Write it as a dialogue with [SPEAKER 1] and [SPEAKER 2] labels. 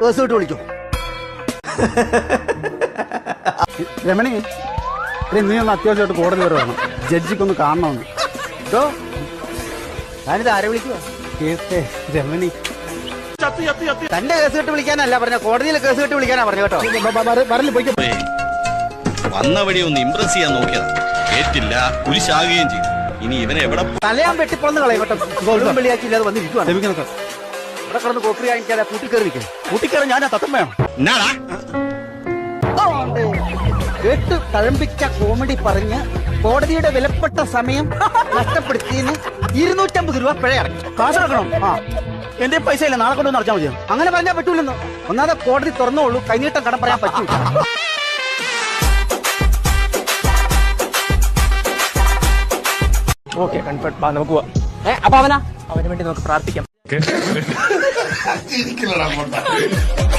[SPEAKER 1] Case വിട്ട് വിളിക്കും.
[SPEAKER 2] രമണി, നീ ഒന്ന് അത്യാവശ്യമായിട്ട് കോടതി വരെ വേണം, ജഡ്ജിക്കൊന്ന് കാണണമെന്ന്.
[SPEAKER 1] ഞാനിത് ആരെ വിളിക്കുക?
[SPEAKER 2] രമണി,
[SPEAKER 1] തന്റെ കേസ് കെട്ട് വിളിക്കാനല്ല പറഞ്ഞ, കോടതിയിൽ കേസ് കെട്ട് വിളിക്കാനാ പറഞ്ഞു കേട്ടോ.
[SPEAKER 3] വന്ന വഴി ഒന്ന് ഇംപ്രസ് ചെയ്യാൻ നോക്കിയതാ, കേട്ടില്ല, കുരിശാകുകയും ചെയ്തു. ഇനി ഇവനെ എവിടെ
[SPEAKER 1] തലയാൻ വെട്ടിപ്പൊന്ന് കളയും കേട്ടോ. വെള്ളിയാക്കില്ലാതെ വന്നിരിക്കുവാണ്. ഇവിടെ കിടന്ന് കോപ്പറി കാണിക്കാതെ കൂട്ടിക്കയറിയിരിക്കും.
[SPEAKER 2] കൂട്ടിക്കയറി ഞാനാ തത്തം വേണം.
[SPEAKER 1] കേട്ട് തഴമ്പിച്ച കോമഡി പറഞ്ഞ് കോടതിയുടെ വിലപ്പെട്ട സമയം നഷ്ടപ്പെടുത്തിയതിന് 250 രൂപ പിഴ ഇറങ്ങി.
[SPEAKER 2] കാശ് ഇറക്കണം. എന്റെ പൈസ ഇല്ല, നാളെ കൊണ്ടുവന്ന് അടച്ചാൽ മതിയോ?
[SPEAKER 1] അങ്ങനെ പറഞ്ഞാൽ പറ്റൂലെന്നോ. ഒന്നാമതെ കോടതി തുറന്നോളൂ, കൈനീട്ടം കടം പറയാൻ പറ്റൂ.
[SPEAKER 4] Okay, confirm. നമുക്ക് പോവാം.
[SPEAKER 1] അപ്പൊ അവന്
[SPEAKER 4] വേണ്ടി നമുക്ക് പ്രാർത്ഥിക്കാം.